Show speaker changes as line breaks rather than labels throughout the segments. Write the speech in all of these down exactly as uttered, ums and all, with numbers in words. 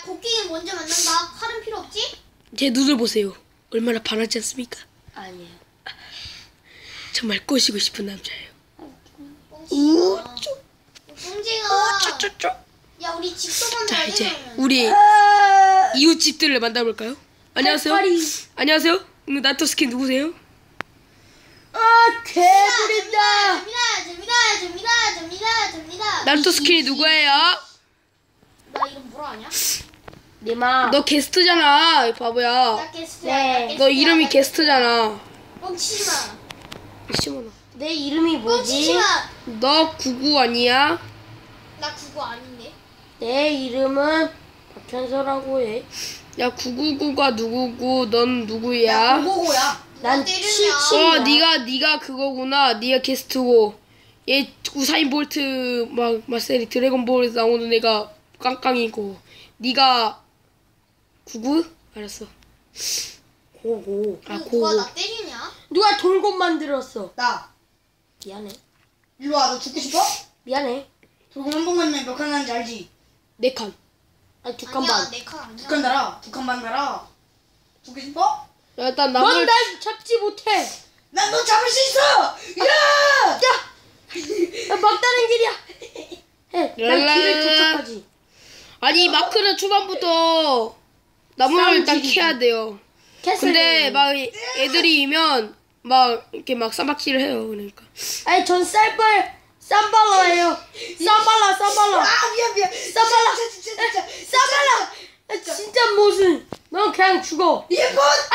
야 곡괭이 먼저 만든다. 칼은 필요 없지?
제 눈을 보세요. 얼마나 반하지 않습니까?
아니에요.
정말 꼬시고 싶은 남자예요.
오,
쭈.
뽕징아.
쪼쪼쪼.
야 우리 집도
자
만들어야 돼.
이제
그러면.
우리 이웃집들을 만나볼까요? 안녕하세요.
팔팔이.
안녕하세요. 음, 나토스킨 누구세요?
아, 개구리다.
접니다, 접니다, 접니다, 접니다, 접니다.
나토스킨이 누구예요?
나 이름 뭐라 하냐?
니마.
너 게스트잖아, 이 바보야.
나 게스트야.
네.
나
너
게스트야,
이름이
나
게스트잖아.
뻥치지 마.
시원아.
내 이름이
뻥치지
뭐지?
마.
너 구구 아니야?
나 그거 아닌데.
내 이름은 박현서라고 해.
야 구구구가 누구고 넌 누구야?
고고야.
난
때리냐?
칠칠.
어 네가 네가 그거구나. 네가 게스트고 얘 우사인 볼트 막 마셀이 드래곤볼에서 나오는 애가 깡깡이고 네가 구구? 알았어.
고고.
아
누가
고고.
나 때리냐?
누가 돌고 만들었어?
나
미안해.
일로 와. 너 죽고 싶어?
미안해.
돌고 한 번만 몇 칸 하는지 알지?
네 칸.
아니 두 칸
아니야
반.
내 칼 아니야.
두 칸 달아. 두 칸 반 달아. 죽고 싶어?
야, 일단 나물
넌 날 잡지 못해.
난 너 잡을 수 있어! 야!
야, 막다른 길이야. 해. 난 길을 도착하지.
아니 마크는 초반부터 나무를 일단
쌈질이지.
캐야 돼요. 근데 막 애들이 면 막 이렇게 막 쌈박질을 해요. 그러니까.
아니 전 쌀발 쌈발라예요. 쌈발라 쌈발라.
아 미안 미안.
쌈발라.
진짜 진짜 진짜.
쌈발라. 아, 진짜 무슨. 넌 그냥 죽어.
예쁜!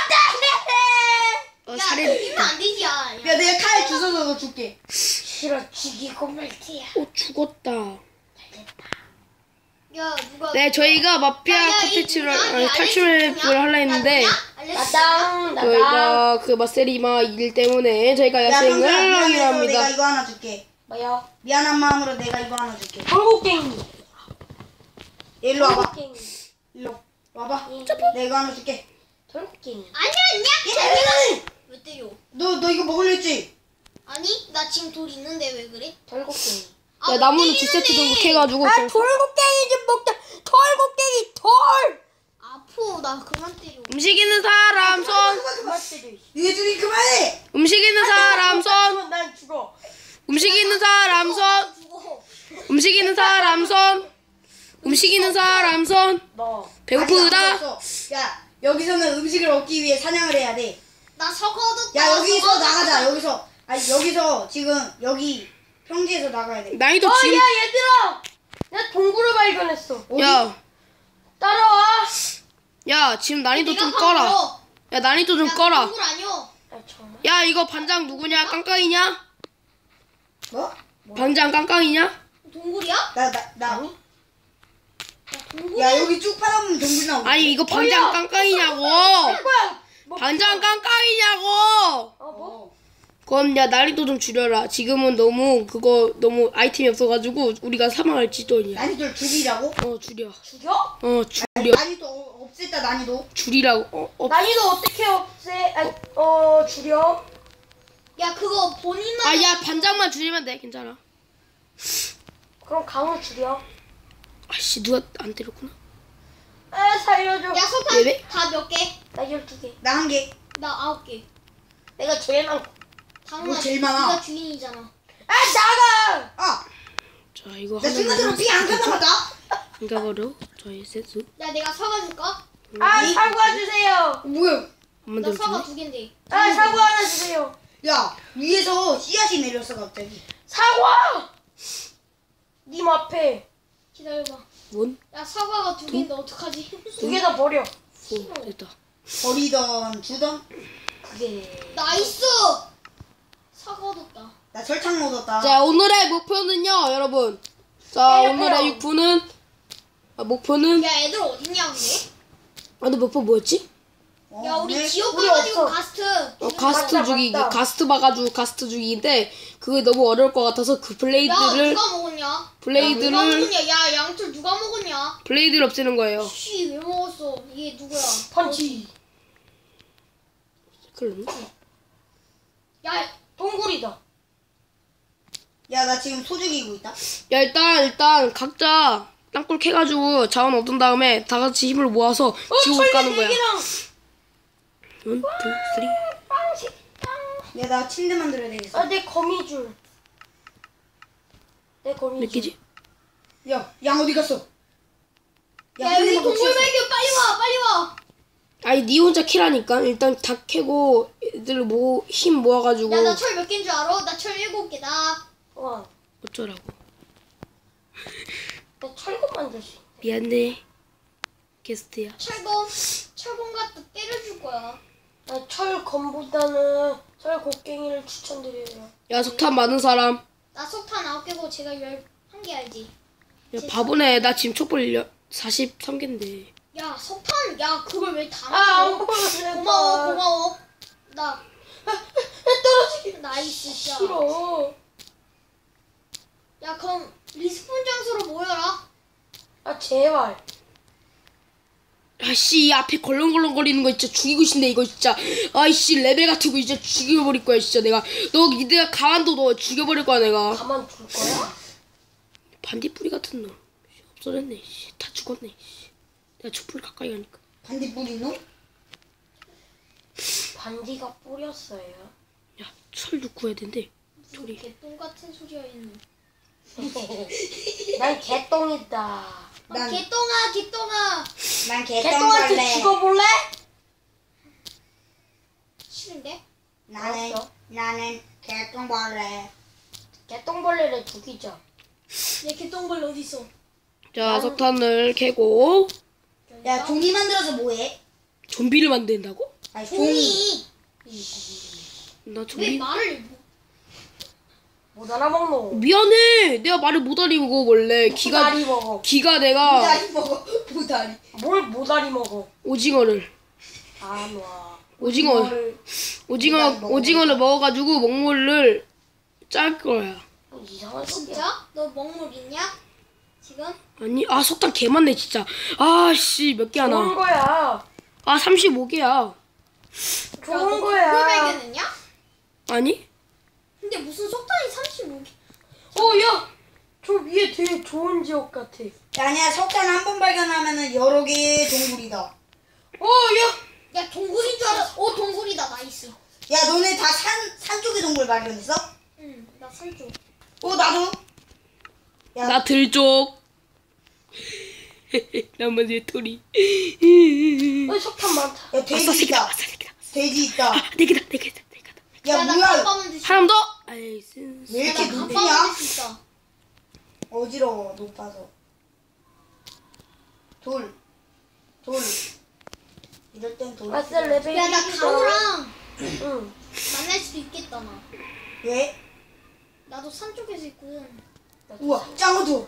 어,
야
살인.
죽이면 안 되지. 야.
야 내가 칼 주워서 너 줄게.
싫어 죽이고 말지야.
어 죽었다.
야 누가?
네 저희가 마피아
야, 야, 이
컨텐츠를
누구야?
아니,
이
탈출을
알렉스
하려
누구냐?
했는데
야, 누구냐? 알렉스
나당 나당.
저희가 그 마세리마 일 때문에 저희가
야
야생을
형사
하기로
미안해서
합니다.
내가 이거 하나 줄게.
뭐야?
미안한 마음으로 내가 이거 하나 줄게.
한국갱이.
일로 와봐.
한국갱이.
일로 와봐.
응.
내가 이거 하나 줄게.
한국갱이.
아니야 아니야. 왜 때려?
너 너 이거 먹을려 했지?
아니 나 지금 돌 있는데 왜 그래?
돌고갱이.
아,
야
왜
나무는 두
때리는데?
세트 정도 캐가지고
아
좀-
돌고갱이 좀 먹자. 돌고갱이 돌.
아프 나 그만 때려.
음식 있는 사람 손.
그만 그만.
그만 때려.
니네 둘이 그만해.
음식 있는 사람 손.
난 죽어.
음식 있는 사람 손.
죽어.
음식 있는 사람 손. 음식 있는 사람 손.
너.
배고프다.
아직 안 먹었어. 야 여기서는 음식을 얻기 위해 사냥을 해야 돼.
나 사과 얻었다.
야 여기서
사과
나가자.
얻었다.
여기서 아니 여기서 지금 여기 평지에서 나가야 돼.
난이도
어,
지금
야, 얘들아! 나 동굴을 발견했어.
야,
따라와.
야 지금 난이도
내가
좀
바로
꺼라.
알아.
야 난이도 좀
야,
꺼라.
동굴 아니여.
아, 정말?
야 이거 반장 누구냐? 깡깡이냐?
뭐?
반장 깡깡이냐?
동굴이야?
나 나 나.
아니?
야 동굴.
야 여기 쭉 파다보면 동굴 나오고.
아니 이거 반장
뭐야?
깡깡이냐고.
뭐야? 뭐,
반장 깡깡이냐고.
어, 뭐?
어.
그럼 야 난이도 좀 줄여라. 지금은 너무 그거 너무 아이템이 없어가지고 우리가 사망할지도 아니야.
난이도를 줄이라고?
어 줄여.
죽여?
어 줄여.
난이도 어- 없앴다 난이도.
줄이라고. 어, 어.
난이도 어떻게 없애? 아니, 어, 줄여?
야 그거 본인만.
아야 반장만 줄이면 돼. 괜찮아.
그럼 강을 줄여?
아씨 누가 안 때렸구나.
아, 살려줘.
야 석탄
예배?
다 몇 개?
나 열두 개.
나 한 개.
나 아홉 개.
내가 제일 많고.
당연하.
뭐 제일 많아?
네가 주인이잖아.
아, 나가!
아.
자 이거
나 순간적으로 피안 칸나봤다.
이거 바로 저희 세수.
야 내가 사과 줄까?
아, 사과 주세요.
뭐야?
한번
나
더
사과
줄래?
두 개인데.
아, 사과 하나 주세요.
야 위에서 씨앗이 내렸어 갑자기.
사과! 님 앞에
기다려봐.
원?
야 사과가 두 개인데 어떡하지?
두 개 다 버려.
오 됐다.
버리던 주던.
그게.
나이스. 사과 얻었다.
나 설탕 얻었다.
자 오늘의 목표는요 여러분. 자
때려,
오늘의
때려.
육부는 아, 목표는
야 애들 어딨냐 근데?
아 근데 목표 뭐였지?
어,
야 우리
오늘
지옥
우리
가가지고
없어.
가스트.
어, 가스트
맞다,
주기
맞다.
가스트 봐가지고 가스트 주기인데 그게 너무 어려울 것 같아서 그
야
블레이드를
누가 먹었냐? 야, 누가
블레이드를
먹었냐? 야 양털 누가 먹었냐?
블레이드를 없애는 거예요.
씨 왜 먹었어? 이게 누구야?
펀치.
그럼
야
동굴이다.
야 나 지금 소 죽이고 있다.
야 일단 일단 각자 땅굴 캐가지고 자원 얻은 다음에 다 같이 힘을 모아서
어,
지옥을
철개
까는
네
거야.
개랑
원, 투, 쓰리.
빵식 빵.
야, 나 침대 만들어야 되겠어.
아, 내 거미줄. 내 거미줄.
몇 개지?
야, 양 어디 갔어?
야 여기
한 번만
동물
더
발견 빨리 와 빨리 와.
아니 니 혼자 키라니까. 일단 다 캐고 애들 모, 힘 모아가지고
야 나 철 몇 개인 줄 알아? 나 철 일곱 개다.
와,
어쩌라고.
나 철근 만들 수 있어.
미안해. 게스트야.
철검 철검 갖다 때려줄 거야.
나 철검보다는 철곡갱이를 추천드려요.
야 석탄 많은 사람.
나 석탄 아홉 개고 제가 열 한 개 알지?
야 바보네. 나 지금 촛불 사십삼 개인데.
야 석탄 야 그걸 왜 다
아, 안
먹어?
먹을래.
고마워 고마워. 나
떨어지기
나이스 진짜.
싫어.
야 그럼 리스폰 장소로 모여라.
아, 제발.
아씨 이 앞에 걸렁걸렁거리는 거 진짜 죽이고 싶네 이거 진짜. 아이씨 레벨 같은 거 진짜 죽여버릴 거야 진짜 내가. 너 니네가 가만둬 너 죽여버릴 거야 내가.
가만 둘 거야?
반딧불이 같은 놈. 씨, 없어졌네. 씨. 다 죽었네. 씨. 내가 촛불 가까이 가니까.
반딧불 있노?
반지가 뿌렸어요.
야 철도 구해야 된대.
무슨 개똥 같은 소리야 얘는.
난 개똥이다.
아,
난-
개똥아 개똥아.
난
개똥한테
개똥벌레.
죽어볼래?
싫은데?
나는
알았어.
나는 개똥벌레.
개똥벌레를 죽이자.
얘 개똥벌레 어디 있어?
자
난-
석탄을 캐고
야, 종이 만들어서 뭐해?
좀비를 만든다고?
아니, 종이.
종이.
나
왜
좀비.
말을 못-
못 알아먹노.
미안해. 내가 말을 못 알아먹어 원래. 기가
모다리 먹어.
기가 내가
무다리 먹어. 무다리.
뭘 모다리 먹어?
오징어를
안 와.
오징어
이거를
오징어
무다리 먹어.
오징어를 먹어가지고 먹물을 짤 거야.
뭐 이상한 소리야.
진짜? 너 먹물 있냐? 지금?
아니 아 석탄 개 많네 진짜. 아씨 몇 개
좋은
하나.
거야.
아 삼십오 개야.
좋은
너
거야.
동물 발견했냐?
아니?
근데 무슨 석탄이 삼십오 개?
어, 야! 저 위에 되게 좋은 지역 같아.
야, 아니야, 석탄 한 번 발견하면은 여러 개의 동굴이다.
어, 야!
야 동굴인 줄 알았어. 어 동굴이다 나이스.
야, 너네 다 산, 산 쪽의 동굴 발견했어?
응, 나 산쪽.
어, 나도. 야,
나 들쪽. 나만 내 토리.
어, 석탄 많다.
야,
아싸
돼지
새끼다.
있다.
아싸 새끼다.
돼지 있다.
아, 네 개다. 네 개다. 네 개다.
야,
야, 나
뭐야.
갑바만 드시.
하나 더. 아이 쓴.
왜 이렇게
나
높냐?
갑바만 드수 있어.
어지러워, 높아서. 돌. 돌. 이럴 땐 돌.
아싸, 레벨
야, 나
일이다.
강호랑
응.
만날 수도 있겠다 나.
왜?
나도 산 쪽에서 있거든.
우와, 짱어도.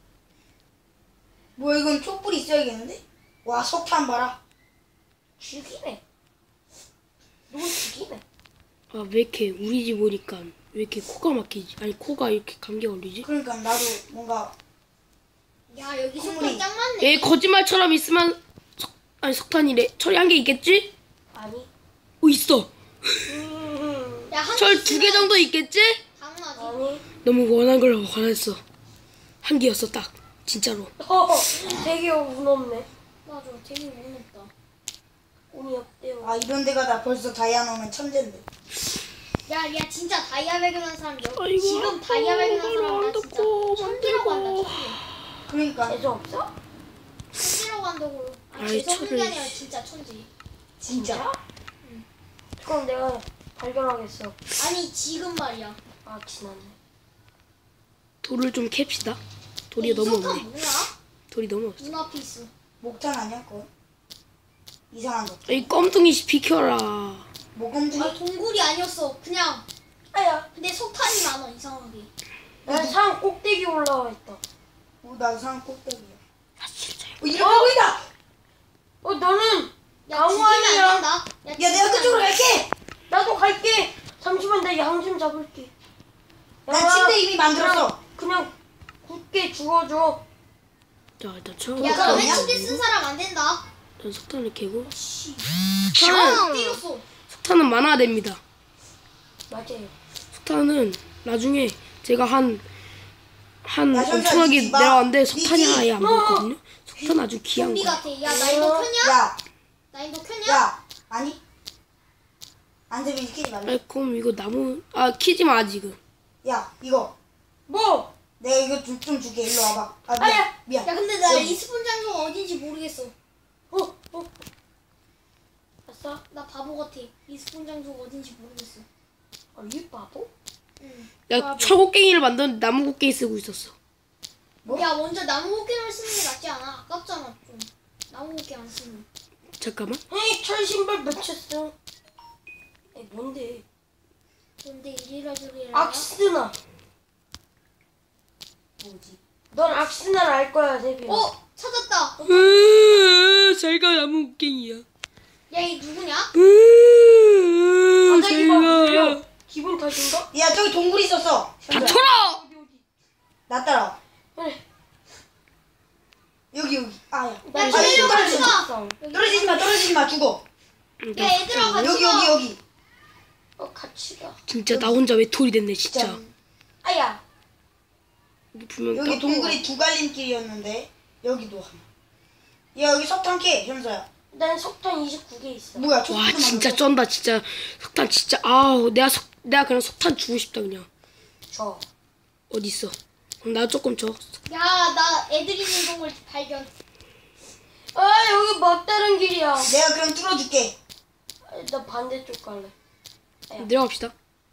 뭐야, 이건 촛불 있어야겠는데? 와, 석탄 봐라.
죽이네. 누구 죽이네.
아 왜 이렇게 우리 집 오니까 왜 이렇게 코가 막히지? 아니 코가 이렇게 감기 걸리지?
그러니까 나도 뭔가
야 여기
콧물이.
석탄 짱 많네.
얘 거짓말처럼 있으면 석 아니 석탄이래. 철이 한 개 있겠지?
아니.
어 있어.
음,
야한
철 두 개 정도 있겠지?
당연하지.
아니.
너무 원한 걸 원했어. 한 개였어 딱. 진짜로.
어, 되게 운 없네.
맞아, 되게 무섭다.
운이 없대요.
아 이런 데가 다 벌써 다이아 넣으면 천재인데.
야, 야 진짜 다이아 발견한 사람 여,
아이고,
지금 다이아 발견한 사람 나
안
진짜
듣고,
천지라고
안
한다.
듣고.
천지.
그러니까
재수 없어?
천지라고 한다고. 아,
아이,
재수 없는 게
철을-
아니라 진짜 천지.
진짜.
그럼 내가 발견하겠어.
아니 지금 말이야.
아, 지났네.
돌을 좀 캡시다. 돌이
이
너무
석탄
없네.
뭐야?
돌이 너무 없어.
눈앞에 있어.
목탄 아니야 그거? 이상한 거.
이 껌둥이 비켜라.
목검둥이?
아 동굴이 아니었어. 그냥
아야,
근데 석탄이 많아 이상하게.
난 산 꼭대기 올라와 있다.
어, 나도 산 꼭대기야.
아 진짜.
어 이렇게 보인다.
어, 너는
야
강호
죽이면
아니야.
안 된다. 야,
야
죽이면
내가
안
그쪽으로
돼.
갈게.
나도 갈게. 잠시만, 나 양 좀 잡을게.
난
양아,
침대 이미 만들었어.
그냥 굳게 죽어줘.
자 일단 처음.
야
석탄
너네
아니야?
침대 쓴 사람 안 된다.
일단 석탄을 캐고.
씨.
석탄은,
때렸어.
석탄은 많아야 됩니다.
맞아요.
석탄은 나중에 제가 한 한
야, 현수야,
엄청나게
니지 마.
내려왔는데 석탄이
니지.
아예 안 보였거든요. 석탄 아주 귀한
좀비
거.
같아. 야, 나 인도 켰냐?
야,
나 인도 켰냐?
야, 아니? 안 되면 시키지 말래.
아이 그럼 이거 나무 아 키지 마 지금.
야, 이거.
뭐?
내가 이거 좀, 좀 줄게. 일로 와봐. 아, 미안.
아야.
미안.
야, 근데 나
여기.
리스폰 장소가 어딘지 모르겠어.
어? 어? 아싸.
나 바보 같아. 리스폰 장소가 어딘지 모르겠어.
아, 이 바보?
응.
야 철곡갱이를 만드는데 나무 곡괭이 쓰고 있었어.
뭐?
야, 먼저 나무 곡괭이를 쓰는 게 낫지 않아? 아깝잖아, 좀. 나무 곡괭이 안 쓰면.
잠깐만.
에이, 철 신발 맺혔어. 에이, 뭔데?
근데 이리라 저리라.
악스나.
뭐지?
넌 악스나를 알 거야, 데뷔.
어? 찾았다. 어,
으, 잘가 나무 곡괭이야.
야, 이 누구냐?
으,
갑자기 막 울려.
잘가.
기분 탓인가?
야, 저기 동굴 있었어. 현수야.
닥쳐라.
어디, 어디?
나 따라와.
그래.
여기, 여기. 아, 야.
야,
아니,
저리로
떨어지지
가지
마.
마. 여기
떨어지지 마, 떨어지지 마. 죽어.
야, 얘들아, 같이
여기,
가.
여기, 여기.
어, 같이 가.
진짜 나 혼자 외톨이 됐네 진짜.
진짜.
아야.
분명
여기
딱-
동굴이 두 갈림길이었는데, 여기도 하나. 야, 여기 석탄 캐, 현수야.
난 석탄 이십구 개 있어.
뭐야,
와
촛불도
진짜
만들었어?
쩐다 진짜. 석탄 진짜 아우 내가 석 내가 그냥 석탄 주고 싶다 그냥.
저.
어디 있어? 그럼 나 조금 줘.
야, 나 애들 있는 동굴 발견.
아, 여기 막다른 길이야.
내가 그럼 뚫어줄게.
아, 나 반대쪽 갈래.
내려갑시다.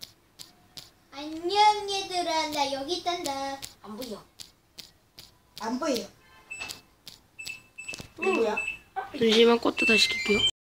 안녕, 얘들아. 나 여기 있단다.
안 보여.
안 보여. 누구야?
잠시만 꽃도 다시 킬게요.